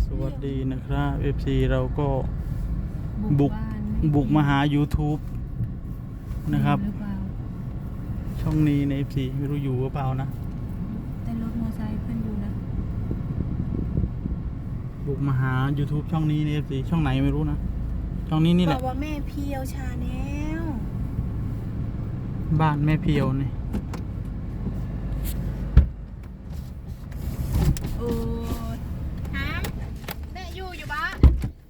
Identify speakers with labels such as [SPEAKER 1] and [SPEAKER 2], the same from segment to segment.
[SPEAKER 1] สวัสดีนะครับ FC เราก็บุกมาหา YouTube นะครับช่องนี้ใน FC ไม่รู้อยู่หรือเปล่านะ
[SPEAKER 2] แต่รถมอไซค์เพิ่นอยู่นะ
[SPEAKER 1] บุกมาหา YouTube ช่องนี้ใน FC ช่องไหนไม่รู้นะช่องนี้นี่แหละ
[SPEAKER 2] บอกว่าแม่เพียวชาแนล
[SPEAKER 1] บ้านแม่เพียวนี่
[SPEAKER 2] โอ้ถามแม่อยู่บ้าน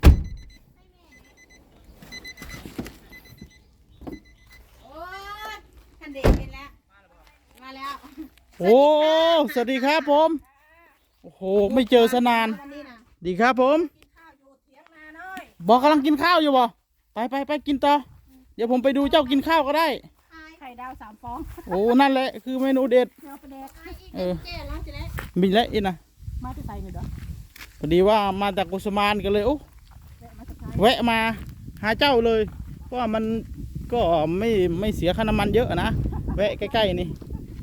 [SPEAKER 2] โอ้ยทันเด็กเห็นแล้วมาแล้ว
[SPEAKER 1] โอ้สวัสดีครับผมโอ้โหไม่เจอสนานดีครับผมบอกกำลังกินข้าวอยู่บ่ไปกินต่อเดี๋ยวผมไปดูเจ้ากินข้าวก็ได้
[SPEAKER 2] ไข่ดาว3 ฟอง
[SPEAKER 1] โอ้นั่นแหละคือเมนูเด็ดมีแล้วอีกนะ
[SPEAKER 2] มาที่ใส่เด้อ
[SPEAKER 1] พอดีว่ามาจากกุสมานกันเลยโอ้แวะมาหาเจ้าเลยเพราะว่ามันก็ไม่เสียค่าน้ำมันเยอะนะแวะใกล้ๆนี่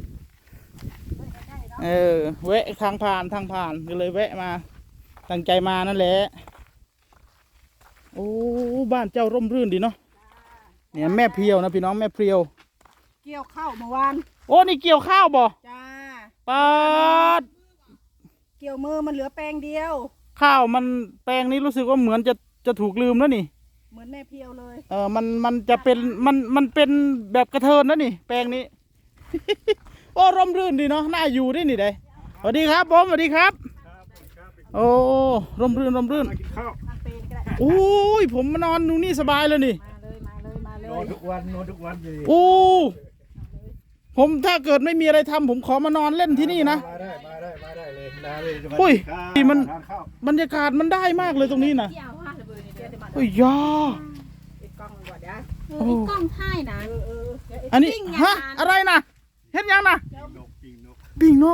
[SPEAKER 1] แวะทางผ่านก็เลยแวะมาตั้งใจมานั่นแหละโอ้บ้านเจ้าร่มรื่นดีเนาะเนี่ยแม่เพียวนะพี่น้องแม่เพียว
[SPEAKER 2] เกี่ยวข้าวเมื่อวาน
[SPEAKER 1] โอ้นี่เกี่ยวข้าวบ่
[SPEAKER 2] จ้า
[SPEAKER 1] ปัด
[SPEAKER 2] เกี่ยวมือมันเหลือแปลงเดียว
[SPEAKER 1] ข้าวมันแปลงนี้รู้สึกว่าเหมือนจะถูกลืมแล้วนี่
[SPEAKER 2] เหมือนแม่เพียวเลย
[SPEAKER 1] มันจะเป็นมันเป็นแบบกระเทินแล้วนี่แปลงนี้ โอ้ร่มรื่นดีเนาะน่าอยู่ได้นี่ได้สวัสดีครับผมสวัสดีครับโอ้ร่มรื่นโอ้ยผมมานอนดูนี่สบายเลยนี่
[SPEAKER 2] มาเลย
[SPEAKER 3] นอนทุกวันเลย
[SPEAKER 1] โอ้ผมถ้าเกิดไม่มีอะไรทำผมขอมานอนเล่นที่นี่นะ
[SPEAKER 3] มาได้เลย
[SPEAKER 1] อุ้ยมันบรรยากาศมันได้มากเลยตรงนี้นะโอ้ยยา
[SPEAKER 2] กล้องถ่ายนะ
[SPEAKER 1] อันนี้ฮะอะไรนะเห็นยังนะปิ้งนก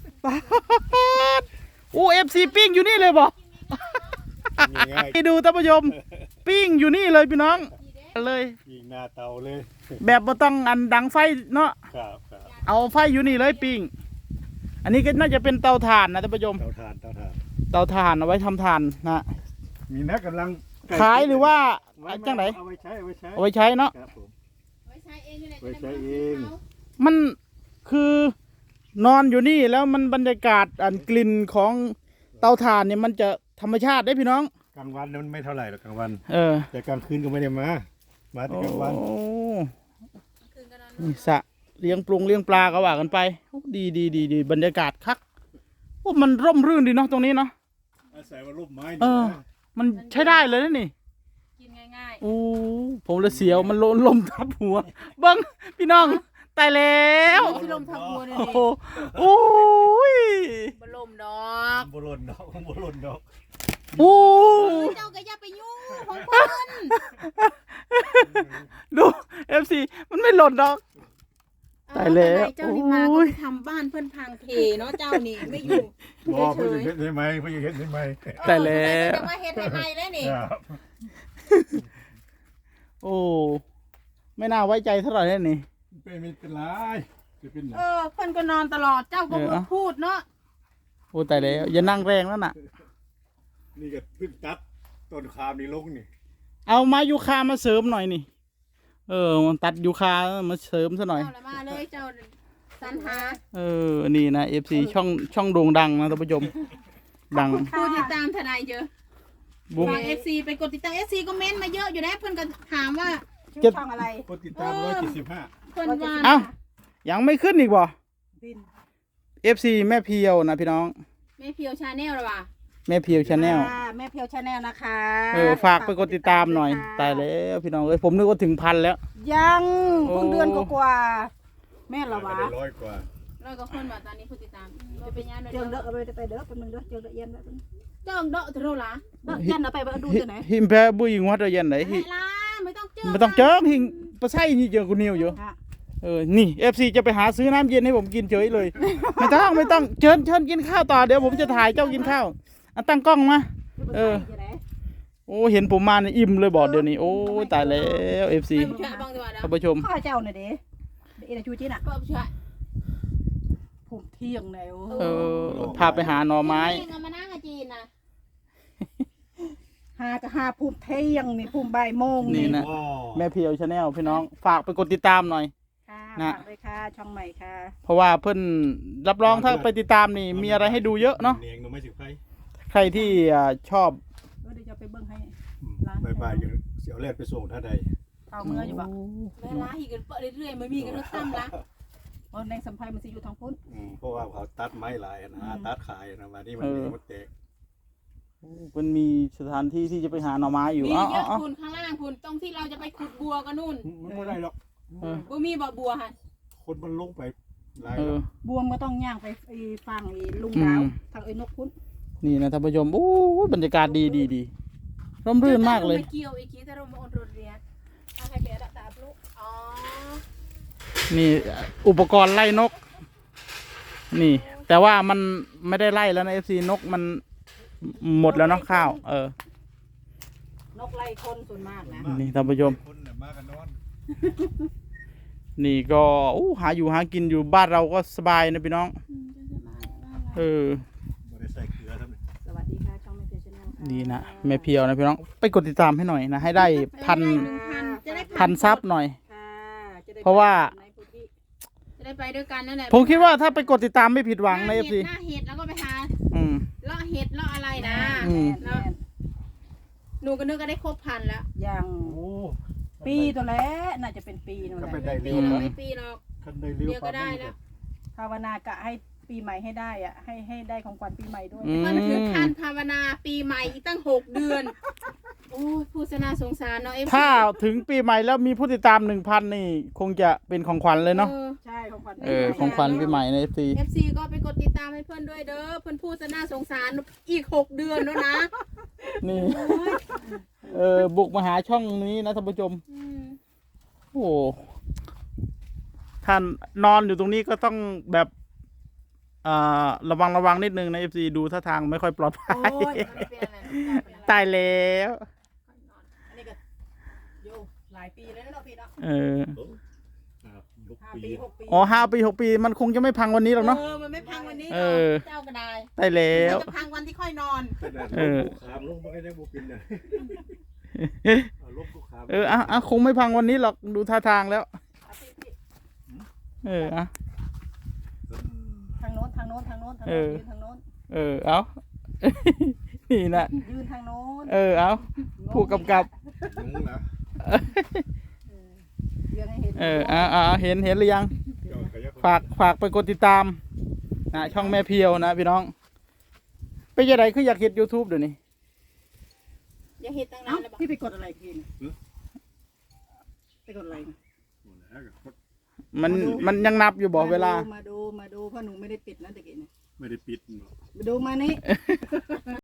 [SPEAKER 1] โอ้FC ปิ้งอยู่นี่เลยบ่ไปดูท่านผู้ชมปิ้งอยู่นี่เลยพี่น้องเลย
[SPEAKER 3] ยิงหน้าเตาเลย
[SPEAKER 1] แบบบ่ต้องอันดังไฟเนาะเอาไฟอยู่นี่เลยปิ้งอันนี้ก็น่าจะเป็นเตาถ่านนะท่านผู้ชม
[SPEAKER 3] เตาถ่าน
[SPEAKER 1] เอาไว้ทำถ่านนะ
[SPEAKER 3] มีนักกำลัง
[SPEAKER 1] ขายหรือว่าจังไหน
[SPEAKER 3] เอาไว้
[SPEAKER 1] ใช้เนาะ
[SPEAKER 3] ไว้ใช้เอง
[SPEAKER 1] มันคือนอนอยู่นี่แล้วมันบรรยากาศอันกลิ่นของเตาถ่านเนี่ยมันจะธรรมชาติได้พี่น้อง
[SPEAKER 3] กลางวันมันไม่เท่าไหร่หรอกกลางวันแต่กลางคืนก็ไม่ได้มาแต่กลางวัน
[SPEAKER 1] นี่สะเลี้ยงปลาก็ว่ากันไปดีบรรยากาศคักโอ้มันร่มรื่นดีเนาะตรงนี้เนาะ
[SPEAKER 3] อาศัยว่าร่มไม้
[SPEAKER 1] มันใช้ได้เลยนะนี่
[SPEAKER 2] กินง่าย
[SPEAKER 1] ๆโอ้ผมเลยเสียวมันลมทับหัวเบิ้งพี่น้องตายแล้ว
[SPEAKER 2] พี่ลมทับหัวเลย
[SPEAKER 1] โอ้ย
[SPEAKER 2] บลมดอก
[SPEAKER 3] บลนดอก
[SPEAKER 1] โอ้
[SPEAKER 2] เจ้าก็อย่าไปยุ่งของคน
[SPEAKER 1] ดู FC มันไม่หล่นดอกตายแล้ว
[SPEAKER 2] เจ้านี่มาก็ทำบ้านเพื่อนพังเพเนาะเจ้านี่ไม่อยู่
[SPEAKER 3] บอกเพื่อนเห็นไหม
[SPEAKER 1] ตายแล้ว
[SPEAKER 2] จะมาเห็นทำไมแล้วนี่
[SPEAKER 1] โอ้ไม่น่าไว้ใจเท่าไหร่เลยนี่
[SPEAKER 3] ไม่เป็นไร
[SPEAKER 2] เพื่อนก็นอนตลอดเจ้าก็พูดเนาะ
[SPEAKER 1] โอ้ตายแล้วอย่านั่งแรงแล้วน่ะ
[SPEAKER 3] นี่ก็พึ่งตัดต้นคามนี่ลงนี่
[SPEAKER 1] เอาไม้ยูคามาเสริมหน่อยนี่มันตัดยูคามาเสริมซะหน่อย
[SPEAKER 2] มาเลยเจ้าสันหา
[SPEAKER 1] นี่นะ FC ช่องโด่งดังนะท่านผู้ชมดัง
[SPEAKER 2] ผู้ติดตามทนายเยอะฝาก FC ไปกดติดตาม FC ก็เม้นมาเยอะอยู่นะเพื่อนก็ถามว่าช่องอะไร
[SPEAKER 3] กดติดตาม175
[SPEAKER 2] เพื่อนว่า
[SPEAKER 1] เอ้ายังไม่ขึ้นอีกบ่ FC แม่เพียวนะพี่น้อง
[SPEAKER 2] แม่เพียวชาแนลหรอวะ
[SPEAKER 1] แม่เพียวชาแนล
[SPEAKER 2] แม่เพียวชาแนลนะคะ
[SPEAKER 1] ฝากไปกดติดตามหน่อยตายแล้วพี่น้องผมนึกว่าถึง1,000แล้ว
[SPEAKER 2] ยังเพิ่งเดือนกว่าแม่ละวะ
[SPEAKER 3] 100 กว่า
[SPEAKER 2] คนแบบตอนนี้ผู้ติดตามจะเป็นยังไงเจิงเด้อไปเด้อเป็นมึงเด้อเจิงเด้อเย็นเจิงเด้อจะรู้ละเย็นเอาไปดูตัวไหน
[SPEAKER 1] หิมแพ้บุยงวัดเย็นไหนไม่ต้องเจิงหิงปลาไส้นี่เจอคุณนิวอยู่นี่ FC จะไปหาซื้อน้ำเย็นให้ผมกินเฉยเลยไม่ต้องเชิญกินข้าวต่อเดี๋ยวผมจะถ่ายเจ้ากินข้าวตั้งกล้องมาโอ้เห็นผมมาเนี่ยอิ่มเลยบอกเดี๋ยวนี้โอ้ตายแล้ว FC ท่านผู้ชม
[SPEAKER 2] ข้าเจ้าหน่อยดิชูจีน่ะผมเที่ยงแล้ว
[SPEAKER 1] พาไปหาหน่อไม้
[SPEAKER 2] มานั่งจีนนะก็หาภูมิเที่ยงนี่ภูมิบ่ายโมง
[SPEAKER 1] นี่นะ แม่เพียวชาแนลพี่น้องฝากไปกดติดตามหน่อย
[SPEAKER 2] ค่ะ
[SPEAKER 1] นะ
[SPEAKER 2] ฝากเลยค่ะช่องใหม่ค่ะ
[SPEAKER 1] เพราะว่าเพิ่นรับรองถ้าไปติดตามนี่มีอะไรให้ดูเยอะเนาะ
[SPEAKER 3] เนียงหนูไม่สิไฟ
[SPEAKER 1] ใครที่ชอบ
[SPEAKER 2] เดี๋ยวจะไปเบิ่งให้
[SPEAKER 3] บ่ายๆอยู่เสียวแรกไปส่งท่าใด
[SPEAKER 2] เอาเมื่ออยู่บ่
[SPEAKER 4] เวลาอีกกันเปิดเรื่อยๆไม่มีกันรถตั้มละ
[SPEAKER 2] ในสัมภัยมันสิอยู่ทางพุ้น
[SPEAKER 3] เพราะว่าเขาตัดไม้หลายนะตัดขายนะมานี่มันแตก
[SPEAKER 1] มันมีสถานที่ที่จะไปหาหน่อไม้อยู่
[SPEAKER 4] มี
[SPEAKER 1] เอ้า
[SPEAKER 4] เยอะ
[SPEAKER 1] เอ้า
[SPEAKER 4] คุณข้างล่างคุณตรงที่เราจะไปขุดบัวกันนู่น
[SPEAKER 3] มันไม่ได้หรอก
[SPEAKER 4] บ่มีบ่อบัวค่ะ
[SPEAKER 3] คนมันลงไปหลาย
[SPEAKER 1] เออ
[SPEAKER 2] บวมก็ต้องย่างไปฟังลุงดาวทางนกพุ้น
[SPEAKER 1] นี่นะท่านผู้ชมโอ้บรรยากาศดีร่มรื่นมากเลย
[SPEAKER 4] เกี่ยวอีกทีแต่เรามาออนรถเรียนเอาให้เปียดตาบลูกอ๋อ
[SPEAKER 1] นี่อุปกรณ์ไล่นก นี่ แต่ว่ามันไม่ได้ไล่แล้วนะ FC นกมันหมดแล้วเนาะข้าว
[SPEAKER 2] นกไล่คนส่วนมากนะ
[SPEAKER 1] นี่ท่านผู้ชม
[SPEAKER 3] คนเนี่ยมากันนอน
[SPEAKER 1] นี่ก็หาอยู่หากินอยู่บ้านเราก็สบายนะพี่น้อง
[SPEAKER 3] ไม่ได้ใส่เกลือทั้งนั้น
[SPEAKER 2] สวัสดีค่ะช่องแม่เพียวชาแนลค่ะ
[SPEAKER 1] นี่นะแม่เพียวนะพี่น้องไปกดติดตามให้หน่อยนะให้ได้พัน
[SPEAKER 4] จะได้
[SPEAKER 1] พันซับหน่อย
[SPEAKER 2] ค่ะจได้
[SPEAKER 1] เพราะว่า
[SPEAKER 2] ในพื้นที่
[SPEAKER 4] จะได้ไปด้วยกันนั่นแหละ
[SPEAKER 1] ผมคิดว่าถ้าไปกดติดตามไม่ผิดหวังใน FC
[SPEAKER 4] หน้าเห็ดแล้วก็ไปหา
[SPEAKER 1] อืม
[SPEAKER 4] เลาะเห็ดเลาะอะไรนะ
[SPEAKER 1] อืม
[SPEAKER 2] แม่น
[SPEAKER 4] หนูก็นึกก็ได้ครบพันแล้ว
[SPEAKER 2] อย่าง
[SPEAKER 3] โอ้
[SPEAKER 2] ปีตัวแล้วน่าจะเป็นปีนั่นแห
[SPEAKER 3] ก็
[SPEAKER 2] ละ
[SPEAKER 3] ไปได้
[SPEAKER 4] ปี
[SPEAKER 3] เร็ว
[SPEAKER 4] หรอก
[SPEAKER 3] นะ
[SPEAKER 4] ไม่ปีหรอก
[SPEAKER 3] คันได้เร็ว
[SPEAKER 4] เดี๋ยวก็ได้แล้ว
[SPEAKER 2] ภาวนากะให้ปีใหม่ให้ได้อะให้ได้ของขวัญปีใหม่ด้วย
[SPEAKER 1] อื
[SPEAKER 4] มันถึงขั้นภาวนาปีใหม่อีกตั้ง6 เดือนโอ้ยผู้สนาสงสารเนาะเอฟ
[SPEAKER 1] ถ้าถึงปีใหม่แล้วมีผู้ติดตาม 1,000 นี่คงจะเป็นของขวัญเลยเนาะ
[SPEAKER 2] ใช่ของขวัญ
[SPEAKER 1] ของขวัญปีใหม่ใน FC
[SPEAKER 4] เอฟซีก็ไปกดติดตามให้เพื่อนด้วยเด้อเพื่อนผู้สนาสงสารอีก6 เดือนแล้วนะ
[SPEAKER 1] นี่ บุกมาหาช่องนี้นะท่านผู้ชม
[SPEAKER 4] อืม
[SPEAKER 1] โอ้ท่านนอนอยู่ตรงนี้ก็ต้องแบบระวังนิดนึงนะ FC ดูท่าทางไม่ค่อยปลอดภั
[SPEAKER 2] โอ้
[SPEAKER 1] ย
[SPEAKER 2] ย
[SPEAKER 4] ไม่เป็นอะไร
[SPEAKER 1] ตายแล้ว
[SPEAKER 2] อันนี้ก็โยหลายปีแล้วนะพี่เนาะ
[SPEAKER 3] ยก
[SPEAKER 2] 5
[SPEAKER 3] ปี
[SPEAKER 2] ปี 6 ปี
[SPEAKER 1] อ๋อ5 ปี 6 ปีมันคงจะไม่พังวันนี้หรอกเนาะ
[SPEAKER 4] มันไม่พังวันนี้
[SPEAKER 1] เอ
[SPEAKER 4] เนา
[SPEAKER 1] อ
[SPEAKER 4] ะเจ้าก็ได้
[SPEAKER 1] ตายแล้ว
[SPEAKER 4] มันจะพังวันที่ค่อยนอน
[SPEAKER 3] ขามลงมาให้ได้บุปินเลยลบลูกขาม
[SPEAKER 1] คงไม่พังวันนี้หรอกดูท่าทางแล้ว
[SPEAKER 2] ทางโน้นยืนทางโน้น
[SPEAKER 1] เอา นี่นะ
[SPEAKER 2] ยืนทางโน้น
[SPEAKER 1] เอาผู้กำกับ
[SPEAKER 3] ยุงนะ
[SPEAKER 2] ยืนให้เห็น
[SPEAKER 1] เห็นหรือยัง ฝากไปกดติดตามนะช่องแม่เพียวนะพี่น้องไปยังไงคืออยากเห็น YouTube เดี๋ยวนี้
[SPEAKER 4] อย่าเห็ดตั้งนา
[SPEAKER 2] เอ้าน
[SPEAKER 4] แล้วบอก
[SPEAKER 2] พี่ไปกดอะไรพี่ไปกดอะไร
[SPEAKER 1] มันยังนับอยู่บอกเวลา
[SPEAKER 2] มาดูเพราะหนูไม่ได้ปิดนะตะกี้เนี่ย
[SPEAKER 3] ไม่ได้ปิด
[SPEAKER 2] มาดูมานี่